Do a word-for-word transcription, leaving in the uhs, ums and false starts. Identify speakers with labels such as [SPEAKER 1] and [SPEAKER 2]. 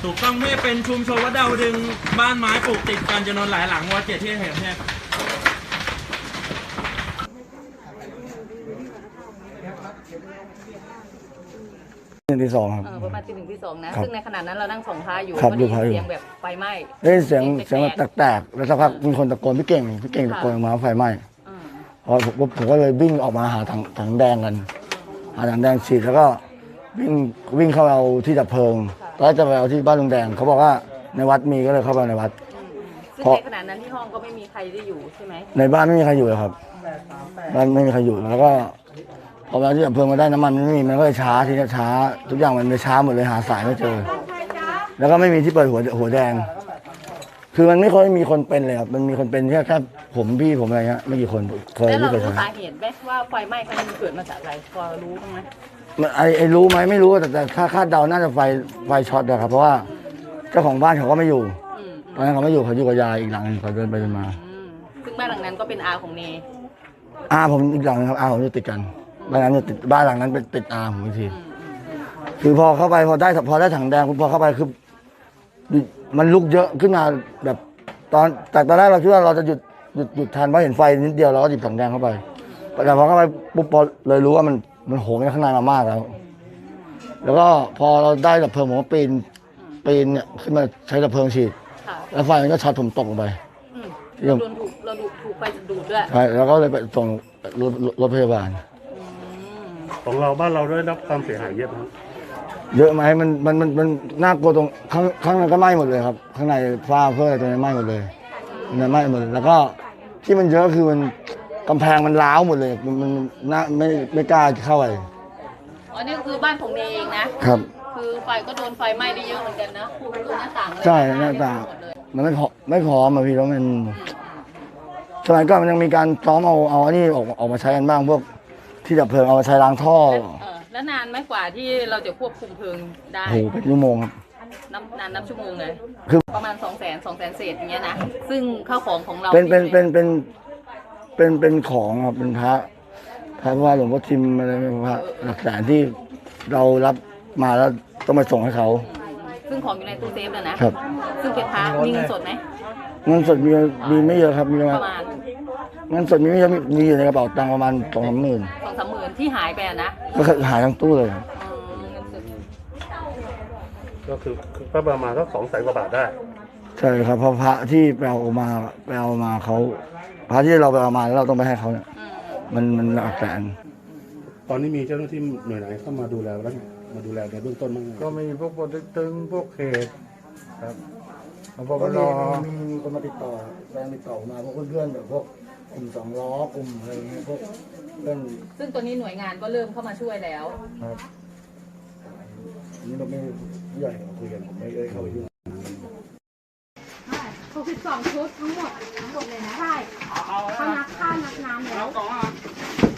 [SPEAKER 1] ถูกต้องไม่เป็นชุมชนวัดดาวดึงบ้านไม้ปลูกติดกันจำนวนหลายหลังวัดเจ็ดที่เห็นเนี่ย
[SPEAKER 2] หนึ่งที่สองครับ
[SPEAKER 3] ประมาณที่หนึ่งที่สองนะซึ่งในขณะนั้นเรานั่งส่องพระอยู่
[SPEAKER 2] ก็
[SPEAKER 3] ได้ยินเสียงแบบไฟไหม้
[SPEAKER 2] ได้เสียงเสียงแบบแตกๆแล้วสักพักมีคนตะโกนพี่เก่งพี่เก่งตะโกนมาไฟไหม้พอผมผมก็เลยวิ่งออกมาหาถังถังแดงกันหาถังแดงฉีดแล้วก็วิ่งวิ่งเข้าเอาที่ดับเพลิงตอนแรกจะไปเอาที่บ้านลุงแดงเขาบอกว่าในวัดมีก็เลยเข้าไปในวัด
[SPEAKER 3] ซึ่งในขณะนั้นที่ห้องก็ไม่มีใครได้อยู่ใช่ไหม
[SPEAKER 2] ในบ้านไม่มีใครอยู่เลยครับบ้านไม่มีใครอยู่แล้วก็พอมาที่ดับเพลิงมาได้น้ำมันไม่มีมันก็เลยช้าทีนี้ช้าทุกอย่างมันเลยช้าหมดเลยหาสายไม่เจอแล้วก็ไม่มีที่เปิดหัวหัวแดงคือมันไม่ค่อยมีคนเป็นเลยครับมันมีคนเป็นแค่แค่ผมพี่ผมอะไรเงี้ยไม่กี่คนเคย
[SPEAKER 3] ที่
[SPEAKER 2] เคย
[SPEAKER 3] รู้สาเหตุไหมว่าไฟไหม้ครั้งนี้มันเกิดมาจากอะไรพอรู้บ้างไหม
[SPEAKER 2] ไอ้ไอ้รู้ไหมไม่รู้แต่แต่คาดเดาน่าจะไฟไฟช็อตนะครับเพราะว่าเจ้าของบ้านเขาก็ไม่อยู่ตอนนั้นเขาไม่อยู่เขาอยู่กับยายอีกหลังนึงเขาเดินไปเดินมา
[SPEAKER 3] ซึ่งบ้านหลังนั้นก็เป็นอาของเน
[SPEAKER 2] อาผมอีกหลังนึงครับอาผมจะติดกันบ้านนั้นจะติดบ้านหลังนั้นเป็นติดอาผมอีกทีคือพอเข้าไปพอได้พอได้ถังแดงพอเข้าไปคือมันลุกเยอะขึ้นมาแบบตอนแต่ตอนแรกเราคิดว่าเราจะหยุดหยุดหยุดทันเพราะเห็นไฟนิดเดียวเราก็หยิบถังแดงเข้าไปแต่พอเข้าไปปุ๊บพอเลยรู้ว่ามันมันโหมในข้างในมามากแล้วแล้วก็พอเราได้ดับเพลิงผมก็ปีนปีนเนี่ยขึ้นมาใช้ดับเพลิงฉีดแล้วไฟมันก็ช็อตผมตกลงไป
[SPEAKER 3] เราโดนถูกเราถูกไฟดูดด้วย
[SPEAKER 2] ใช่แล้วก็เลยไปส่งรถรถพยาบาล
[SPEAKER 4] ของเราบ้านเราได้รับความเสียหายเยอะไหม
[SPEAKER 2] เยอะไหมมันมันมันมันน่ากลัวตรงข้างข้างในก็ไหม้หมดเลยครับข้างในฝ้าเพื่ออะไรตรงนี้ไหม้หมดเลยมันไหม้หมดแล้วก็ที่มันเยอะคือมันกำแพงมันร้าวหมดเลยมันมันน่าไม่ไม่กล้าเข้าไป
[SPEAKER 3] อ๋อนี่คือบ้านของเนเองนะครับคือไฟก็โดนไฟไหม้ได้เยอะเหมือนกันนะดูหน้าต่าง
[SPEAKER 2] ใช่หน้าต่างมันไม่พอไม่พอมาพี่แล้วมันสมัยก่อนมันยังมีการซ้อมเอาเอาอันนี้ออกออกมาใช้กันบ้างพวกที่ดับเพลิงเอามาใช้ล้างท่อ
[SPEAKER 3] แล้วนานไหมกว่าที่เราจะควบคุมเพลิงได้
[SPEAKER 2] โอ้โหเป็นชั่วโมงครับ
[SPEAKER 3] นับนานนับชั่วโมงเลยคือประมาณสองแสนสองแสนเศษอย่างเงี้ยนะซึ่งข้าวของของเรา
[SPEAKER 2] เป็นเป็นเป็นเป็นเป็นเป็นของครับเป็นพระพระว่าหลวงพ่อทิมอะไรพระหลักฐานที่เรารับมาแล้วต้องมาส่งให้เขา
[SPEAKER 3] ซึ่งของอยู่ในตู้เซฟเลยนะครับซึ่งเป็นพระมีเงินสดไหม
[SPEAKER 2] เงินสดมีมีไม่เยอะครับมีประมาณเงินสดมีไม่เยอะมีอยู่ในกระเป๋าตังค์ประมาณสองสามหมื่น
[SPEAKER 3] สองสามหมื่นที่หายไปนะ
[SPEAKER 2] ก็หายทั้งตู้เลย
[SPEAKER 4] ก็คือก็ประมาณสักสองแสนกว่าบาทได้
[SPEAKER 2] ใช่ครับเพราะพระที่ไปเอามาไปเอามาเขาพระที่เราไปเอามาแล้วเราต้องไปให้เขาเนี่ยมันมันหลักแสน
[SPEAKER 4] ตอนนี้มีเจ้าหน้าที่หน่วยไหนเข้ามาดูแลแล้วมาดูแลในเบื้องต้นบ้าง
[SPEAKER 5] ก็มีพวกปตึกตึงพวกเขตครับพอ
[SPEAKER 2] ก็มีมีคนมาติดต่อแรงติดต่อมาพวกเพื่อนๆแบบพวกกลุ่มสองล้อกลุ่มอะไรเงี้ยพวกเพื่อน
[SPEAKER 3] ซึ่งตัวนี้หน่วยงานก็เริ่มเข้ามาช่วยแล้ว
[SPEAKER 2] ครับนี่เราไม่ผู้ใหญ่คุยกันผมไม่ได้เข้าไปยุ่ง
[SPEAKER 6] หกสิบสองชุดทั้งหมดทั้งหมดเลยนะใช่เขานับข้าวนับน้ำแล้ว